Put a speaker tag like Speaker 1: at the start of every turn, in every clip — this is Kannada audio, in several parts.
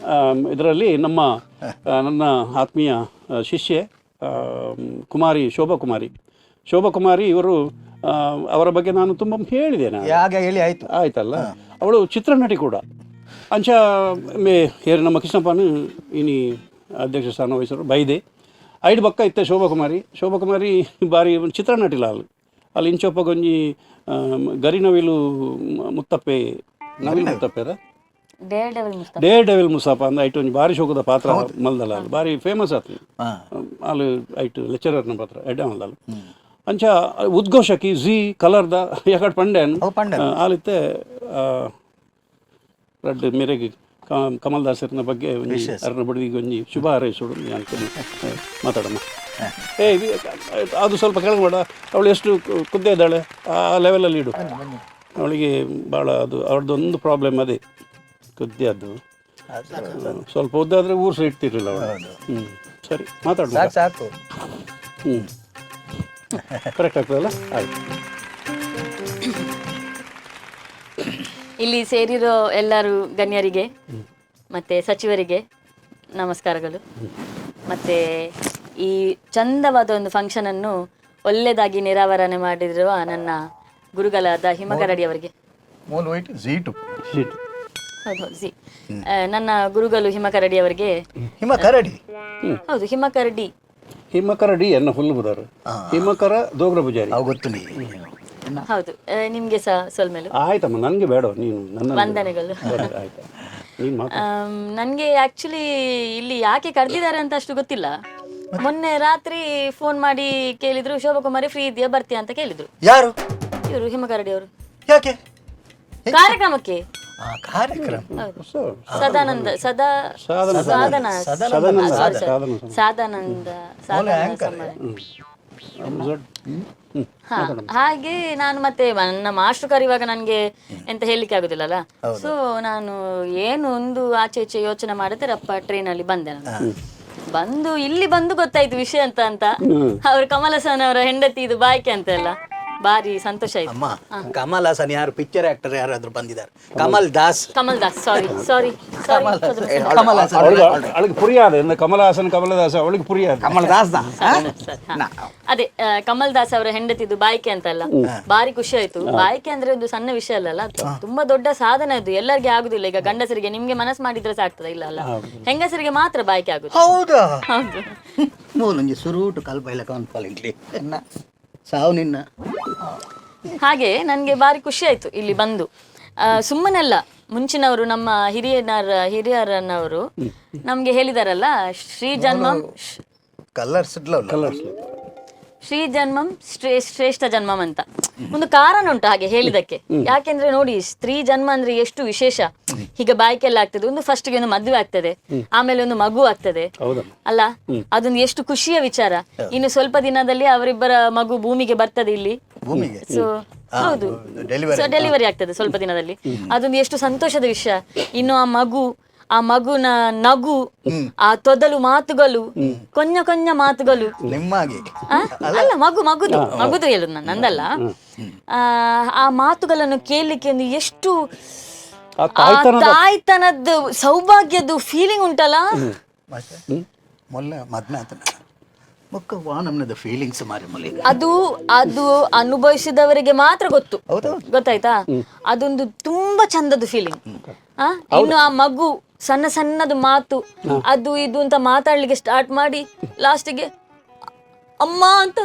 Speaker 1: ಇದರಲ್ಲಿ ನನ್ನ ಆತ್ಮೀಯ ಶಿಷ್ಯೆ ಕುಮಾರಿ ಶೋಭಾ ಕುಮಾರಿ ಇವರು ಅವರ ಬಗ್ಗೆ ನಾನು ತುಂಬ ಹೇಳಿದ್ದೇನೆ.
Speaker 2: ಹೇಳಿ
Speaker 1: ಆಯ್ತಲ್ಲ, ಅವಳು ಚಿತ್ರನಟಿ ಕೂಡ. ಅಂಚ ಮೇ ಹೇರಿ ನಮ್ಮ ಕೃಷ್ಣಪ್ಪನ ಇನಿ ಅಧ್ಯಕ್ಷ ಸ್ಥಾನ ವಹಿಸರು ಬೈದೆ ಐದು ಬಕ್ಕ ಇತ್ತೆ ಶೋಭಾ ಕುಮಾರಿ ಬಾರಿ ಚಿತ್ರನಟಿಲ್ಲ ಅಲ್ಲಿ ಇಂಚೊಪ್ಪ ಗೊಂಜಿ ಗರಿನವಿಲು ಮುತ್ತಪ್ಪೆ ಮುತ್ತಪ್ಪೆದ ಡೇರ್ ಡೆವಿಲ್ ಮುಸಾಪ ಅಂದ ಐಟು ಒಂಜಿ ಬಾರಿ ಶೋಕದ ಪಾತ್ರ ಮಲ್ದಲ್ಲ ಅಲ್ಲಿ ಬಾರಿ ಫೇಮಸ್ ಆತು ಅಲ್ಲಿ ಐಟು ಲೆಕ್ಚರರ್ನ ಪಾತ್ರ ಎಡ್ಡೆ ಮಲ್ದಲ್ಲ ಅಂಚ ಉದ್ಘೋಷಕಿ ಜಿ ಕಲರ್ದ ಯಾಕಡೆ ಪಂಡೆನ್ ಆಲಿತ್ತೆ ರಡ್ ಮೇರೆಗೆ ಕಮಲ್ ದಾಸರ್ನ ಬಗ್ಗೆ ಅರ್ನ ಬಡವಿಗೆ ಒಂಜಿ ಶುಭ ಹಾರೈಸೋಡು ಅನ್ಕೊಂಡು ಮಾತಾಡಮ್ಮ. ಅದು ಸ್ವಲ್ಪ ಕೆಳಗೆ ಮಾಡ, ಅವಳು ಎಷ್ಟು ಕುದ್ದೆ ಇದ್ದಾಳೆ ಆ ಲೆವೆಲಲ್ಲಿ ಇಡು. ಅವಳಿಗೆ ಭಾಳ ಅದು ಅವ್ರದ್ದೊಂದು ಪ್ರಾಬ್ಲಮ್ ಅದೇ ಕುದ್ದೆ, ಅದು ಸ್ವಲ್ಪ ಉದ್ದಾದರೆ ಊರು ಸಹ ಇಡ್ತಿರ್ಲಿಲ್ಲ ಅವಳು. ಸರಿ ಮಾತಾಡ
Speaker 2: ಸಾಕು.
Speaker 1: ಕರೆಕ್ಟ್ ಆಗ್ತದಲ್ಲ? ಆಯ್ತು.
Speaker 3: ಇಲ್ಲಿ ಸೇರಿರೋ ಎಲ್ಲರೂ ಗಣ್ಯರಿಗೆ ಮತ್ತು ಸಚಿವರಿಗೆ ನಮಸ್ಕಾರಗಳು. ಮತ್ತು ಈ ಚಂದವಾದ ಒಂದು ಫಂಕ್ಷನನ್ನು ಒಳ್ಳೆಯದಾಗಿ ನಿರಾವರಣೆ ಮಾಡಿರುವ ನನ್ನ ಗುರುಗಳಾದ ಹಿಮಕರಡಿ ಅವರಿಗೆ, ಹೌದು ಜಿ, ನನ್ನ ಗುರುಗಳು ಹಿಮಕರಡಿ ಅವರಿಗೆ. ಹೌದು, ಹಿಮಕರಡಿ ಎನ್ನ ಹುಲ್ಲು ಬುದಾರು, ಹಿಮಕರ ದೋಗ್ರ ಪೂಜಾರಿ ಹೌದು. ನಿಮ್ಗೆ ಸಹ ಸೊಲ್ಮೇಲು
Speaker 1: ಆಯ್ತಮ್ಮ, ನನಗೆ ಬೇಡ, ನೀನು ನನ್ನ
Speaker 3: ವಂದನೆಗಳು. ನನಗೆ ಆಕ್ಚುಲಿ ಇಲ್ಲಿ ಯಾಕೆ ಕರೆದಿದ್ದಾರೆ ಅಂತ ಅಷ್ಟು ಗೊತ್ತಿಲ್ಲ. ಮೊನ್ನೆ ರಾತ್ರಿ ಫೋನ್ ಮಾಡಿ ಕೇಳಿದ್ರು, ಶೋಭಾ ಕುಮಾರಿ ಫ್ರೀ ಇದೆಯಾ ಬರ್ತೀಯಾ ಅಂತ ಕೇಳಿದ್ರು.
Speaker 2: ಯಾರು?
Speaker 3: ಇವರು ಹಿಮಕರಡಿ ಅವರು.
Speaker 2: ಯಾಕೆ?
Speaker 3: ಕಾರ್ಯಕ್ರಮಕ್ಕೆ. ಸದಾನಂದ ಹಾಗೆ ನಾನು ಮತ್ತೆ ನನ್ನ ಮಾಸ್ಟರ್ ಕರೆಯುವಾಗ ನನಗೆ ಎಂತ ಹೇಳಲಿಕ್ಕೆ ಆಗುದಿಲ್ಲಲ್ಲ. ಸೊ ನಾನು ಏನು ಒಂದು ಆಚೆ ಈಚೆ ಯೋಚನೆ ಮಾಡಿದ್ರೆ ರಪ್ಪ ಟ್ರೈನಲ್ಲಿ ಬಂದೆ. ನಾನು ಇಲ್ಲಿ ಬಂದು ಗೊತ್ತಾಯ್ತು ವಿಷಯ ಅಂತ ಅವ್ರು ಕಮಲ್ ಹಾಸನ್ ಅವರ ಹೆಂಡತಿ ಇದು ಬಾಯ್ಕೆ ಅಂತ ಎಲ್ಲ ಬಾರಿ ಸಂತೋಷ ಆಯ್ತು.
Speaker 2: ಅಮ್ಮ, ಕಮಲ್ ಹಾಸನ್ ಯಾರು ಪಿಕ್ಚರ್ ಆಕ್ಟರ್ ಯಾರಾದ್ರೂ ಬಂದಿದ್ದಾರೆ? ಕಮಲ್ ದಾಸ್
Speaker 3: ಸಾರಿ
Speaker 1: ಅವಳಿಗೆ ಪುರಿಯಾದ ಕಮಲದಾಸ ಅವಳಿಗೆ ಪುರಿಯಾದ
Speaker 2: ಕಮಲದಾಸ್
Speaker 3: ಅದೇ ಕಮಲ್ ದಾಸ್ ಅವರ ಹೆಂಡತಿದು ಬಾಯ್ಕೆ ಅಂತಲ್ಲ, ಬಾರಿ ಖುಷಿ ಆಯ್ತು. ಬಾಯ್ಕೆ ಅಂದ್ರೆ ಒಂದು ಸಣ್ಣ ವಿಷಯ ಅಲ್ಲ, ತುಂಬಾ ದೊಡ್ಡ ಸಾಧನೆ ಅದು. ಎಲ್ಲರಿಗೆ ಆಗುದಿಲ್ಲ. ಈಗ ಗಂಡಸರಿಗೆ ನಿಮ್ಗೆ ಮನಸ್ಸು ಮಾಡಿದ್ರೆ ಸಾಕ್ತದ, ಇಲ್ಲ ಅಲ್ಲ, ಹೆಂಗಸರಿಗೆ ಮಾತ್ರ ಬಾಯ್ಕೆ ಆಗುದು.
Speaker 2: ಹೌದಾ? ಹೌದು. ಸುರುಟು ಕಲ್ಪೈಲ ಕಾನ್ಪಾಲಿಂಗ್ಲಿ ಸಾವು ನಿನ್ನ.
Speaker 3: ಹಾಗೆ ನನಗೆ ಬಾರಿ ಖುಷಿ ಆಯ್ತು ಇಲ್ಲಿ ಬಂದು. ಸುಮ್ಮನೆಲ್ಲ, ಮುಂಚಿನವರು ನಮ್ಮ ಹಿರಿಯರನ್ನವರು ನಮ್ಗೆ ಹೇಳಿದಾರಲ್ಲ, ಶ್ರೀ ಜನ್ಮಂ ಶ್ರೇಷ್ಠ ಜನ್ಮಂ ಅಂತ ಒಂದು ಕಾರಣ ಉಂಟು ಹಾಗೆ ಹೇಳಿದಕ್ಕೆ. ಯಾಕೆಂದ್ರೆ ನೋಡಿ, ಸ್ತ್ರೀ ಜನ್ಮ ಅಂದ್ರೆ ಎಷ್ಟು ವಿಶೇಷ. ಹೀಗೆ ಬಾಯ್ಕೆಲ್ಲ ಆಗ್ತದೆ. ಒಂದು ಫಸ್ಟ್ ಗೆ ಒಂದು ಮದುವೆ ಆಗ್ತದೆ, ಆಮೇಲೆ ಒಂದು ಮಗು ಆಗ್ತದೆ ಅಲ್ಲ, ಅದೊಂದು ಎಷ್ಟು ಖುಷಿಯ ವಿಚಾರ. ಇನ್ನು ಸ್ವಲ್ಪ ದಿನದಲ್ಲಿ ಅವರಿಬ್ಬರ ಮಗು ಭೂಮಿಗೆ ಬರ್ತದೆ ಇಲ್ಲಿ. ಸೊ ಹೌದು, ಡೆಲಿವರಿ ಆಗ್ತದೆ ಸ್ವಲ್ಪ ದಿನದಲ್ಲಿ. ಅದೊಂದು ಎಷ್ಟು ಸಂತೋಷದ ವಿಷಯ. ಇನ್ನು ಆ ಮಗುನ ನಗು, ಆ ತೊದಲು ಮಾತುಗಳು, ಕೊಂಜ ಮಾತುಗಳು, ಅಲ್ಲ ಮಗುದು ಹೇಳುದು ನಂದಲ್ಲ. ಆ ಮಾತುಗಳನ್ನು ಕೇಳಲಿಕ್ಕೆ ಒಂದು ಎಷ್ಟು ತಾಯ್ತನದ್ದು ಸೌಭಾಗ್ಯದ್ದು ಫೀಲಿಂಗ್ ಉಂಟಲ್ಲ. ಅದು ಅನುಭವಿಸಿದವರಿಗೆ ಮಾತ್ರ ಗೊತ್ತಾಯ್ತಾ. ಅದೊಂದು ತುಂಬಾ ಚಂದದ ಫೀಲಿಂಗ್. ಇನ್ನು ಆ ಮಗು ಸಣ್ಣದು ಮಾತು, ಅದು ಇದು ಅಂತ ಮಾತಾಡ್ಲಿಕ್ಕೆ ಸ್ಟಾರ್ಟ್ ಮಾಡಿ ಲಾಸ್ಟಿಗೆ ಅಮ್ಮ ಅಂತ.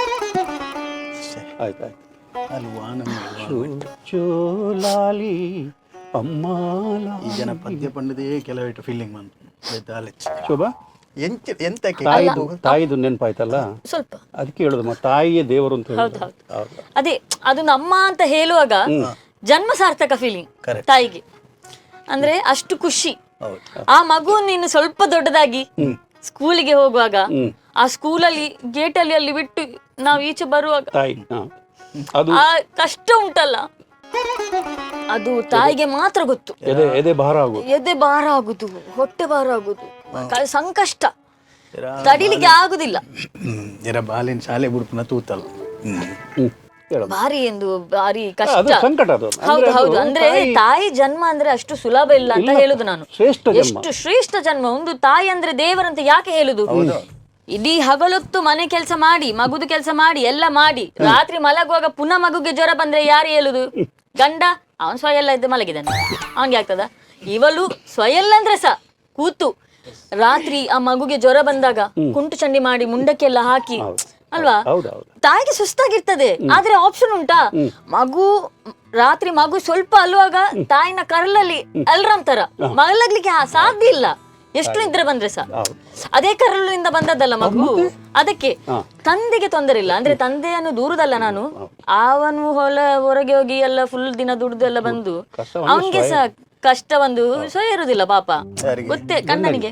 Speaker 2: ಈ ಜನ ಪದ್ಯ ಪಂಡದೇ ಕೆಲವಿಟ್ಟು ಫೀಲಿಂಗ್ ಬಂತು.
Speaker 1: ಶೋಭಾ, ತಾಯಿದು ನೆನಪಾಯ್ತಲ್ಲ, ಸ್ವಲ್ಪ ಅದಕ್ಕೆ ಹೇಳುದು ತಾಯಿಯೇ ದೇವರು ಅಂತ ಹೇಳುದು.
Speaker 3: ಅದೇ ಅದೊಂದು ಅಮ್ಮ ಅಂತ ಹೇಳುವಾಗ ಜನ್ಮ ಸಾರ್ಥಕ ಫೀಲಿಂಗ್ ತಾಯಿಗೆ. ಅಂದ್ರೆ ಅಷ್ಟು ಖುಷಿ. ಆ ಮಗು ನೀನು ಸ್ವಲ್ಪ ದೊಡ್ಡದಾಗಿ ಸ್ಕೂಲಿಗೆ ಹೋಗುವಾಗ, ಆ ಸ್ಕೂಲಲ್ಲಿ ಗೇಟಲ್ಲಿ ಅಲ್ಲಿ ಬಿಟ್ಟು ನಾವು ಈಚೆ ಬರುವಾಗ ಆ ಕಷ್ಟ ಉಂಟಲ್ಲ, ಅದು ತಾಯಿಗೆ ಮಾತ್ರ ಗೊತ್ತು.
Speaker 1: ಎದೆ
Speaker 3: ಭಾರ ಆಗುದು, ಹೊಟ್ಟೆ ಭಾರ ಆಗುದು, ಸಂಕಷ್ಟ ತಡಿಲಿಕ್ಕೆ ಆಗುದಿಲ್ಲ.
Speaker 2: ಬಾಲಿನ ಶಾಲೆ ಬುಡ್ಪುನ ತೂತಲ್ಲ.
Speaker 1: ಹೇಳಮ್ಮ.
Speaker 3: ಭಾರಿ ಕಷ್ಟ.
Speaker 1: ಅದು ಸಂಕಟ ಅದು.
Speaker 3: ಹೌದು ಹೌದು. ಅಂದ್ರೆ ತಾಯಿ ಜನ್ಮ ಅಂದ್ರೆ ಅಷ್ಟು ಸುಲಭ ಇಲ್ಲ ಅಂತ ಹೇಳುದು ನಾನು.
Speaker 1: ಶ್ರೇಷ್ಠ ಜನ್ಮ.
Speaker 3: ಎಷ್ಟು ಶ್ರೇಷ್ಠ ಜನ್ಮ. ಒಂದು ತಾಯಿ ಅಂದ್ರೆ ದೇವರಂತ ಯಾಕೆ ಹೇಳುದು? ಇಡೀ ಹಗಲೊತ್ತು ಮನೆ ಕೆಲಸ ಮಾಡಿ, ಮಗುದು ಕೆಲಸ ಮಾಡಿ, ಎಲ್ಲ ಮಾಡಿ, ರಾತ್ರಿ ಮಲಗುವಾಗ ಪುನಃ ಮಗುಗೆ ಜ್ವರ ಬಂದ್ರೆ ಯಾರು ಹೇಳುದು? ಗಂಡ ಅವನ್ ಸ್ವಯಲ್ಲ ಇದ್ದು ಮಲಗಿದಾನೆ, ಅವನ್ಗೆ ಆಗ್ತದ? ಇವಳು ಸ್ವಯಲ್ಲ ಅಂದ್ರೆ ಸ ಕೂತು ರಾತ್ರಿ ಆ ಮಗುಗೆ ಜ್ವರ ಬಂದಾಗ ಕುಂಟು ಚಂಡಿ ಮಾಡಿ ಮುಂಡಕ್ಕೆಲ್ಲ ಹಾಕಿ ಅಲ್ವಾ? ತಾಯಿಗೆ ಸುಸ್ತಾಗಿರ್ತದೆ, ಆದ್ರೆ ಆಪ್ಷನ್ ಉಂಟಾ? ರಾತ್ರಿ ಮಗು ಸ್ವಲ್ಪ ಅಲ್ಲುವಾಗ ತಾಯಿನ ಕರಲಲ್ಲಿ ಅಲ್ರಾಮ್ ತರ ಮಲಗ್ಲಿಕ್ಕೆ ಸಾಧ್ಯ ಇಲ್ಲ. ಎಷ್ಟು ನಿದ್ರೆ ಬಂದ್ರೆ ಸಹ ಅದೇ ಕರಲಿನಿಂದ ಬಂದದ್ದಲ್ಲ ಮಗು. ಅದಕ್ಕೆ ತಂದೆಗೆ ತೊಂದರೆ ಇಲ್ಲ. ಅಂದ್ರೆ ತಂದೆಯನ್ನು ದೂರದಲ್ಲ ನಾನು, ಅವನು ಹೊರಗೆ ಹೋಗಿ ಎಲ್ಲ ಫುಲ್ ದಿನ ದುಡ್ದೆಲ್ಲ ಬಂದು ಅವನ್ಗೆ ಸಹ ಕಷ್ಟ ಒಂದು ಸಹ ಇರುದಿಲ್ಲ ಪಾಪ, ಗೊತ್ತೇ ಕಣ್ಣನಿಗೆ.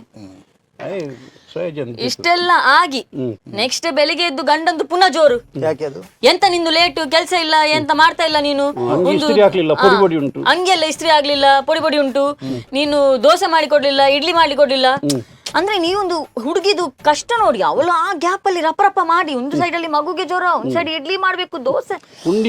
Speaker 3: ಇಷ್ಟೆಲ್ಲ ಆಗಿ ನೆಕ್ಸ್ಟ್ ಬೆಳಿಗ್ಗೆ ಎದ್ದು ಗಂಡಂದು ಪುನಃ ಜೋರು. ಎಂತ ನಿಂದು ಲೇಟು, ಕೆಲ್ಸ ಇಲ್ಲ, ಎಂತ ಮಾಡ್ತಾ ಇಲ್ಲ ನೀನು, ಹಂಗೆಲ್ಲ ಇಸ್ತ್ರಿ ಆಗ್ಲಿಲ್ಲ, ಪೊಡಿ ಉಂಟು, ನೀನು ದೋಸೆ ಮಾಡಿ ಕೊಡ್ಲಿಲ್ಲ, ಇಡ್ಲಿ ಮಾಡ್ಲಿ ಕೊಡ್ಲಿಲ್ಲ. ಅಂದ್ರೆ ನೀವೊಂದು ಹುಡುಗಿದು ಕಷ್ಟ ನೋಡಿ. ಅವಳು ಆ ಗ್ಯಾಪ್ ಅಲ್ಲಿ ರಪ್ಪ ಮಾಡಿ ಒಂದು ಸೈಡ್ ಅಲ್ಲಿ ಮಗುಗೆ ಜ್ವರ, ಒಂದ್ ಸೈಡ್ ಇಡ್ಲಿ ಮಾಡ್ಬೇಕು, ದೋಸೆ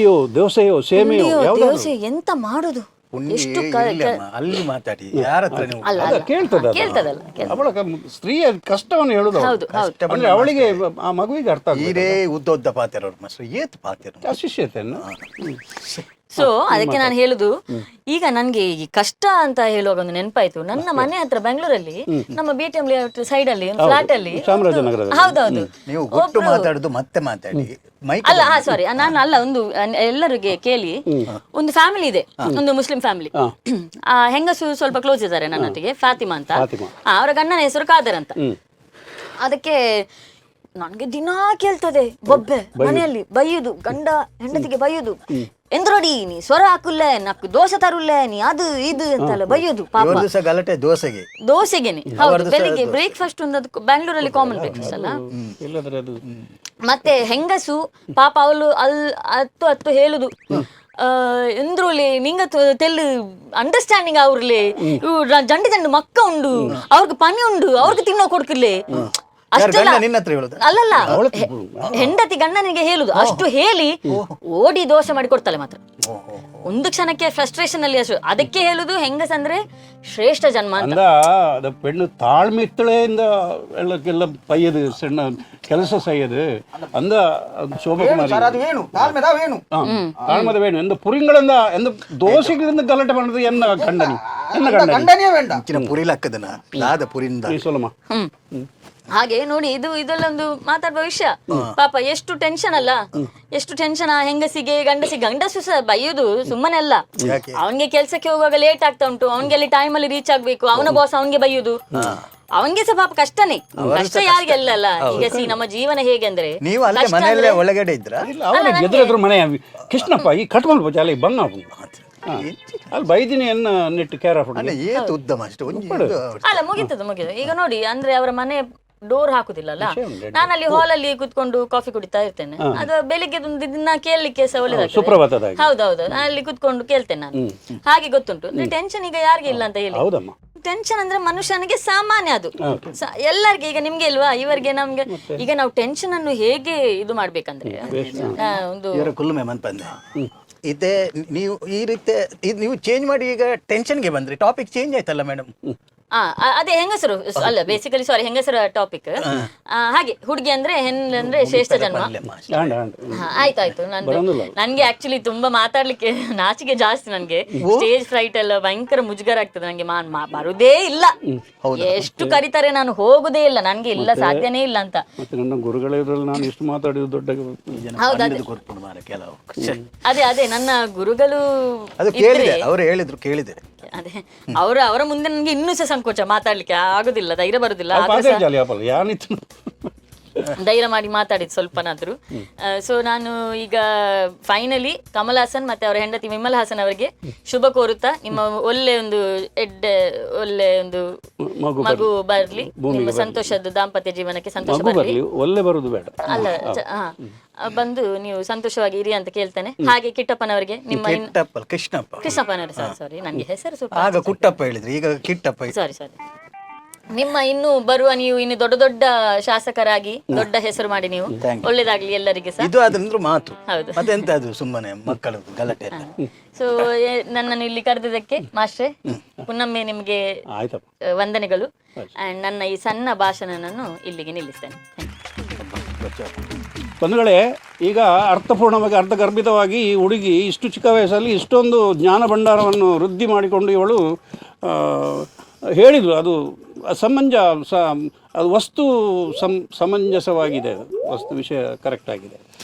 Speaker 3: ದೋಸೆ ಎಂತ ಮಾಡುದು? ಎಷ್ಟು
Speaker 2: ಅಲ್ಲಿ ಮಾತಾಡಿ ಯಾರ ಹತ್ರ
Speaker 3: ಕೇಳ್ತದಲ್ಲ
Speaker 1: ಸ್ತ್ರೀಯ ಕಷ್ಟವನ್ನು ಹೇಳುದು. ಅಂದ್ರೆ ಅವಳಿಗೆ ಆ ಮಗುವಿಗೆ ಅರ್ಥ
Speaker 2: ಈರೇ ಉದ್ದ ಪಾತಿರೋರು ಮಾಸ್ಟರ್ ಏತ್ ಪಾತಿರೋ
Speaker 1: ಶಿಷ್ಯತೆಯನ್ನು.
Speaker 3: ಸೊ ಅದಕ್ಕೆ ನಾನು ಹೇಳುದು, ಈಗ ನನ್ಗೆ ಈ ಕಷ್ಟ ಅಂತ ಹೇಳುವಾಗ ಒಂದು ನೆನಪಾಯ್ತು. ನನ್ನ ಮನೆ ಹತ್ರ ಬೆಂಗಳೂರಲ್ಲಿ ನಮ್ಮ BTM ಸೈಡ್ ಅಲ್ಲಿ ಒಂದು ಫ್ಲಾಟ್ ಅಲ್ಲಿ, ಹೌದೌದು,
Speaker 2: ನೀವು ಗೊತ್ತು ಮಾತಾಡುದು ಮತ್ತೆ ಮಾತಾಡಿ
Speaker 3: ಅಲ್ಲ ಸಾರಿ ನಾನು ಅಲ್ಲ, ಒಂದು ಎಲ್ಲರಿಗೆ ಕೇಳಿ, ಒಂದು ಫ್ಯಾಮಿಲಿ ಇದೆ, ಒಂದು ಮುಸ್ಲಿಂ ಫ್ಯಾಮಿಲಿ. ಆ ಹೆಂಗಸು ಸ್ವಲ್ಪ ಕ್ಲೋಸ್ ಇದ್ದಾರೆ ನನ್ನೊಟ್ಟಿಗೆ, ಫಾತಿಮಾ ಅಂತ. ಅವರ ಗಂಡನ ಹೆಸರು ಖಾದರ್ ಅಂತ. ಅದಕ್ಕೆ ನನ್ಗೆ ದಿನಾ ಕೇಳ್ತದೆ ಬೊಬ್ಬೆ, ಮನೆಯಲ್ಲಿ ಬೈಯುದು, ಗಂಡ ಹೆಂಡತಿಗೆ ಬೈಯುದು, ಎಂದ್ರೋಡಿ ನೀ ಸ್ವರ ಹಾಕುಲ್ಲೆ, ನಕ್ಕು ದೋಸೆ ತರುಲ್ಲೆ, ನೀ ಅದು ಇದು ಅಂತೆಲ್ಲ ಬೈಯುದು. ಪಾಪ
Speaker 2: ಗಲಾಟೆ
Speaker 3: ದೋಸೆಗೆನೆ. ಹೌದು, ಬೆಳಿಗ್ಗೆ ಬ್ರೇಕ್ಫಾಸ್ಟ್ ಒಂದು ಬ್ಯಾಂಗ್ಳೂರಲ್ಲಿ ಕಾಮನ್ ಬ್ರೇಕ್ಫಾಸ್ಟ್ ಅಲ್ಲ. ಮತ್ತೆ ಹೆಂಗಸು ಪಾಪ ಅವಳು ಹತ್ತು ಹೇಳುದು, ಎಂದ್ರಲ್ಲಿ ನಿಂಗ ತೆಲ್ಲು ಅಂಡರ್ಸ್ಟ್ಯಾಂಡಿಂಗ್ ಅವ್ರಲಿ, ಜಂಡು ಮಕ್ಕ ಉಂಡು, ಅವ್ರಿಗೆ ಪನಿ ಉಂಡು, ಅವ್ರಿಗೆ ತಿನ್ನೋ ಕೊಡ್ಕಿರ್ಲಿ ಅಷ್ಟೆಲ್ಲ. ಅಲ್ಲಲ್ಲ, ಹೆಂಡತಿ ಗಂಡನಿಗೆ ಹೇಳುದು. ಅಷ್ಟು ಹೇಳಿ ಓಡಿ ದೋಸೆ ಮಾಡಿ ಕೊಡ್ತಾಳೆ ಮಾತ್ರ. ಒಂದು ಕ್ಷಣಕ್ಕೆ ಫ್ರಸ್ಟ್ರೇಷನ್ ಅಲ್ಲಿ ಅಷ್ಟು. ಅದಕ್ಕೆ ಹೇಳುದು ಹೆಂಗಸಂದ್ರೆ ಶ್ರೇಷ್ಠ ಜನ್ಮ ಅಂತ.
Speaker 1: ಅದು ಪೆಣ್ಣು ತಾಳ್ಮೆ ಇತ್ತಳೆಯಿಂದ ಎಲ್ಲಕ್ಕೆಲ್ಲ ಪಯ್ಯದು ಸಣ್ಣ ಕೆಲಸ ಸಯ್ಯದು ಅಂದ ಶೋಭಕುಮಾರಿ ತಾಳ್ಮದ ವೇಣು ಎಂದು ಪುರಿಂಗಳಿಂದ ಎಂದು ದೋಸೆಗಳಿಂದ ಗಲಾಟೆ ಮಾಡಿದ್ರೆ ಎನ್ನ ಗಂಡನಿ
Speaker 2: ಪುರಿಲಕ್ಕದನ ಲಾದ ಪುರಿಂದ
Speaker 1: ಸೋಲಮ್ಮ.
Speaker 3: ಹಾಗೆ ನೋಡಿ, ಇದೆಲ್ಲ ಒಂದು ಮಾತಾಡುವ ವಿಷಯ. ಪಾಪ ಎಷ್ಟು ಟೆನ್ಷನ್ ಅಲ್ಲ, ಎಷ್ಟು ಟೆನ್ಷನ್ ಆ ಹೆಂಗಸಿಗೆ, ಗಂಡಸು ಸಹ ಬೈಯುದು ಸುಮ್ಮನೆ ಅಲ್ಲ. ಅವನ್ಗೆ ಕೆಲ್ಸಕ್ಕೆ ಹೋಗುವಾಗ ಲೇಟ್ ಆಗ್ತಾ ಉಂಟು, ಅವನ್ಗೆ ಅಲ್ಲಿ ಟೈಮ್ ಅಲ್ಲಿ ರೀಚ್ ಆಗ್ಬೇಕು, ಅವನ ಬಾಸ್ ಅವನ್ಗೆ ಬೈಯುದು, ಅವನ್ಗೆ ಸಹ ಪಾಪ ಕಷ್ಟನೇ. ಕಷ್ಟ ಯಾರಿಗೆ ಅಲ್ಲ. ಈಗ ನಮ್ಮ ಜೀವನ ಹೇಗೆ ಅಂದ್ರೆ,
Speaker 2: ನೀವು ಅಲ್ಲೇ ಮನೆಯಲ್ಲೇ ಒಳಗಡೆ ಇದ್ರ
Speaker 1: ಎದುರು ಮನೆ ಕೃಷ್ಣಪ್ಪ ಈ ಕಟ್ಕೊಂಡು ಜಾಲಿ ಬಂಗ ಅಲ್ಲಿ ಬೈದಿನಿ ಎನ್ನ ನೆಟ್ಟು ಕೇರ್ ಆಫ್
Speaker 3: ಅಲ್ಲ, ಮುಗಿತದ. ಈಗ ನೋಡಿ, ಅಂದ್ರೆ ಅವರ ಮನೆ ಡೋರ್ ಹಾಕುದಿಲ್ಲಲ್ಲ. ನಾನು ಅಲ್ಲಿ ಹಾಲ್ ಅಲ್ಲಿ ಕುತ್ಕೊಂಡು ಕಾಫಿ ಕುಡಿತಾ ಇರ್ತೇನೆ. ಅದು ಬೆಳಿಗ್ಗೆ ದಿನ ಕೇಳಲಿಕ್ಕೆ ಸಹ ಒಳ್ಳೆದಾಗ್ತದೆ. ಹೌದೌದು, ಅಲ್ಲಿ ಕುತ್ಕೊಂಡು ಕೇಳ್ತೇನೆ ನಾನು. ಹಾಗೆ ಗೊತ್ತುಂಟು. ಟೆನ್ಷನ್ ಈಗ ಯಾರಿಗೆ ಇಲ್ಲ ಅಂತ ಹೇಳಿ. ಟೆನ್ಷನ್ ಅಂದ್ರೆ ಮನುಷ್ಯನಿಗೆ ಸಾಮಾನ್ಯ, ಅದು ಎಲ್ಲರಿಗೆ. ಈಗ ನಿಮ್ಗೆ ಇಲ್ವಾ, ಇವರಿಗೆ ನಮ್ಗೆ. ಈಗ ನಾವು ಟೆನ್ಷನ್ ಅನ್ನು ಹೇಗೆ ಇದು ಮಾಡ್ಬೇಕಂದ್ರೆ ಒಂದು
Speaker 2: ಇದೇ ನೀವು ಈ ರೀತಿ ನೀವು ಚೇಂಜ್ ಮಾಡಿ ಈಗ ಟೆನ್ಷನ್ಗೆ ಬಂದ್ರಿ. ಟಾಪಿಕ್ ಚೇಂಜ್ ಆಯ್ತಲ್ಲ ಮೇಡಮ್.
Speaker 3: ಅದೇ ಹೆಂಗಸರು ಅಲ್ಲ, ಬೇಸಿಕಲಿ ಸಾರಿ, ಹೆಂಗಸರ ಟಾಪಿಕ್. ಹಾಗೆ ಹುಡುಗಿ ಅಂದ್ರೆ ಹೆಣ್ಣಂದ್ರೆ ಶ್ರೇಷ್ಠ ಜನ್ಮ. ಆಯ್ತಾಯ್ತು. ನನ್ಗೆ ಆಕ್ಚುಲಿ ತುಂಬಾ ಮಾತಾಡ್ಲಿಕ್ಕೆ ನಾಚಿಕೆ ಜಾಸ್ತಿ. ನನ್ಗೆ ಸ್ಟೇಜ್ ಫ್ರೈಟ್ ಎಲ್ಲ ಭಯಂಕರ ಮುಜುಗರ ಆಗ್ತದೆ. ನಂಗೆ ಬರುದೇ ಇಲ್ಲ. ಎಷ್ಟು ಕರೀತಾರೆ ನಾನು ಹೋಗುದೇ ಇಲ್ಲ. ನನ್ಗೆ ಇಲ್ಲ, ಸಾಧ್ಯನೇ ಇಲ್ಲ ಅಂತ. ಅದೇ ನನ್ನ ಗುರುಗಳು
Speaker 2: ಕೇಳಿದೆ.
Speaker 3: ಅದೇ ಅವರ ಮುಂದೆ ನನ್ಗೆ ಇನ್ನೂ ಸಹ ಸಂಕೋಚ, ಮಾತಾಡ್ಲಿಕ್ಕೆ ಆಗುದಿಲ್ಲ, ಧೈರ್ಯ ಬರುದಿಲ್ಲ. ಧೈರ್ಯ ಮಾಡಿ ಮಾತಾಡಿದ್ ಸ್ವಲ್ಪನಾದ್ರು. ಸೊ ನಾನು ಈಗ ಫೈನಲಿ ಕಮಲ್ ಹಾಸನ್ ಮತ್ತೆ ಅವರ ಹೆಂಡತಿ ವಿಮಲ್ ಹಾಸನ್ ಅವರಿಗೆ ಶುಭ ಕೋರುತ್ತಾ, ನಿಮ್ಮ ಒಳ್ಳೆ ಒಂದು ಮಗು ಬರ್ಲಿ, ನಿಮ್ಮ ಸಂತೋಷದ ದಾಂಪತ್ಯ ಜೀವನಕ್ಕೆ ಸಂತೋಷ ಬರ್ಲಿ.
Speaker 1: ಒಳ್ಳೆ ಬರುದು ಬೇಡ
Speaker 3: ಅಲ್ಲ, ಬಂದು ನೀವು ಸಂತೋಷವಾಗಿ ಇರಿ ಅಂತ ಕೇಳ್ತೇನೆ. ಹಾಗೆ ಕಿಟ್ಟಪ್ಪನವರಿಗೆ, ನಿಮ್ಮ ಕೃಷ್ಣಪ್ಪನವರು, ಸಾರಿ ನನ್ಗೆ ಹೆಸರು
Speaker 2: ಕುಟ್ಟಪ್ಪ ಹೇಳಿದ್ರಿ, ಈಗ ಕಿಟ್ಟಪ್ಪ.
Speaker 3: ಸಾರಿ ನಿಮ್ಮ ಇನ್ನು ಬರುವ ನೀವು ಇನ್ನು ದೊಡ್ಡ ದೊಡ್ಡ ಶಾಸಕರಾಗಿ ದೊಡ್ಡ ಹೆಸರು ಮಾಡಿ ನೀವು ಒಳ್ಳೇದಾಗ್ಲಿ ಎಲ್ಲರಿಗೆ ಸಹ.
Speaker 2: ಇದು ಅದಂದ್ರೆ ಮಾತು.
Speaker 3: ಹೌದು.
Speaker 2: ಮತ್ತೆಂತ ಅದು ಸುಮ್ಮನೆ ಮಕ್ಕಳದ್ದು ಗಲಾಟೆ ಎಲ್ಲ.
Speaker 3: ಸೊ ನನ್ನನ್ನು ಇಲ್ಲಿ ಕರೆದಿದ್ದಕ್ಕೆ ಮಾಸ್ಟ್ರೆ ಪುನೊಮ್ಮೆ ನಿಮಗೆ
Speaker 1: ಆಯ್ತಪ್ಪ.
Speaker 3: ವಂದನೆಗಳು. ಅಂಡ್ ನನ್ನ ಈ ಸಣ್ಣ ಭಾಷಣವನ್ನು ಇಲ್ಲಿಗೆ ನಿಲ್ಲಿಸ್ತೇನೆ.
Speaker 1: ಬಂಧುಗಳೇ, ಈಗ ಅರ್ಥಪೂರ್ಣವಾಗಿ ಅರ್ಥಗರ್ಭಿತವಾಗಿ ಈ ಹುಡುಗಿ ಇಷ್ಟು ಚಿಕ್ಕ ವಯಸ್ಸಲ್ಲಿ ಇಷ್ಟೊಂದು ಜ್ಞಾನ ಭಂಡಾರವನ್ನು ವೃದ್ಧಿ ಮಾಡಿಕೊಂಡು ಇವಳು ಹೇಳಿದರು. ಅದು ಅದು ವಸ್ತು ಸಮಂಜಸವಾಗಿದೆ, ವಸ್ತು ವಿಷಯ ಕರೆಕ್ಟ್ ಆಗಿದೆ.